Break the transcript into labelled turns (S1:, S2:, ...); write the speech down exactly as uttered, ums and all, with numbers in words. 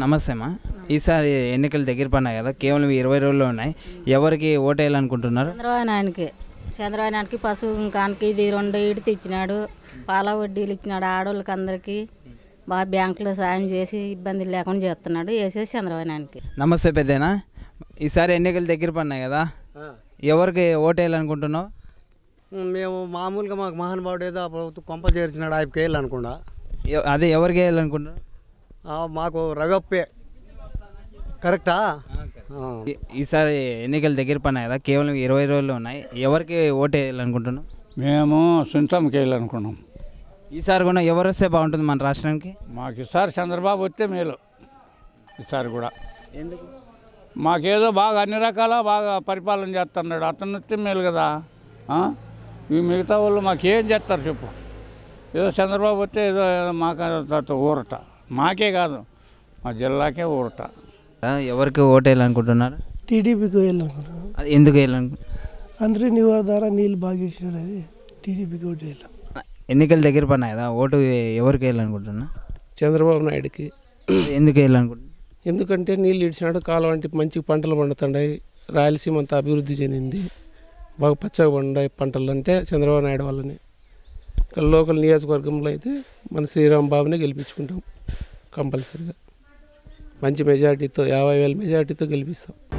S1: నమస్తే అమ్మా. ఈసారి ఎన్నికలు దగ్గర పడినాయి కదా, కేవలం ఇరవై రోజుల్లో ఉన్నాయి. ఎవరికి ఓటేయాలనుకుంటున్నారు?
S2: చంద్రబాబు నాయునికి చంద్రబాబు నాయునికి పశువు ఇంకానికి ఇది రెండు ఈడితే ఇచ్చినాడు, పాల వడ్డీలు ఇచ్చినాడు, ఆడవాళ్ళకి అందరికీ బాగా బ్యాంకులో సాయం చేసి ఇబ్బంది లేకుండా చేస్తున్నాడు. వేసేసి చంద్రబాబు నాయునికి.
S1: నమస్తే పెద్దనా. ఈసారి ఎన్నికలు దగ్గర పడినాయి కదా, ఎవరికి ఓటేయాలనుకుంటున్నావు?
S3: మేము మామూలుగా మాకు మహానుభావుడు ఏదో ప్రభుత్వం కొంప చేర్చినాడు, ఆయనకి వేయాలనుకున్నా.
S1: అదే ఎవరికి వేయాలనుకుంటున్నావు?
S3: మాకు రవప్పే కరెక్టా.
S1: ఈసారి ఎన్నికలు దగ్గర పడినాయి కదా, కేవలం ఇరవై రోజులు ఉన్నాయి. ఎవరికి ఓటు వేయాలనుకుంటున్నాం?
S4: మేము సొంతంకి వేయాలనుకున్నాం.
S1: ఈసారి కూడా ఎవరు వస్తే బాగుంటుంది మన రాష్ట్రానికి?
S4: మాకు ఈసారి చంద్రబాబు వస్తే మేలు. ఈసారి కూడా
S1: ఎందుకు?
S4: మాకేదో బాగా అన్ని రకాల బాగా పరిపాలన చేస్తున్నాడు, అతను వస్తే మేలు కదా. ఈ మిగతా వాళ్ళు మాకేం చేస్తారు చెప్పు? ఏదో చంద్రబాబు వస్తే ఏదో మాకు ఊరట, మాకే కాదు మా జిల్లాకే ఊరట.
S1: ఎవరికి ఓటు వేయాలనుకుంటున్నారు?
S5: టీడీపీకి వేయాలనుకుంటున్నాను.
S1: అది ఎందుకు వేయాలనుకుంటున్నారు?
S5: అందరూ నివారణ ద్వారా నీళ్ళు బాగా ఇచ్చినాడు, అది టీడీపీకి ఓటు వేయాలి.
S1: ఎన్నికలు దగ్గర పడినాయి కదా, ఓటు ఎవరికి వేయాలనుకుంటున్నా?
S3: చంద్రబాబు నాయుడుకి.
S1: ఎందుకు వేయాలనుకుంటున్నా?
S3: ఎందుకంటే నీళ్ళు ఇచ్చినాడు, కాలం అంటే మంచి పంటలు పండుతున్నాయి, రాయలసీమ అంతా అభివృద్ధి చెందింది, బాగా పచ్చగా పండాయి పంటలు అంటే చంద్రబాబు నాయుడు వల్లనే. ఇక్కడ లోకల్ నియోజకవర్గంలో అయితే మన శ్రీరామ్ బాబునే గెలిపించుకుంటాం కంపల్సరీగా. మంచి మెజార్టీతో, యాభై వేల మెజార్టీతో గెలిపిస్తాం.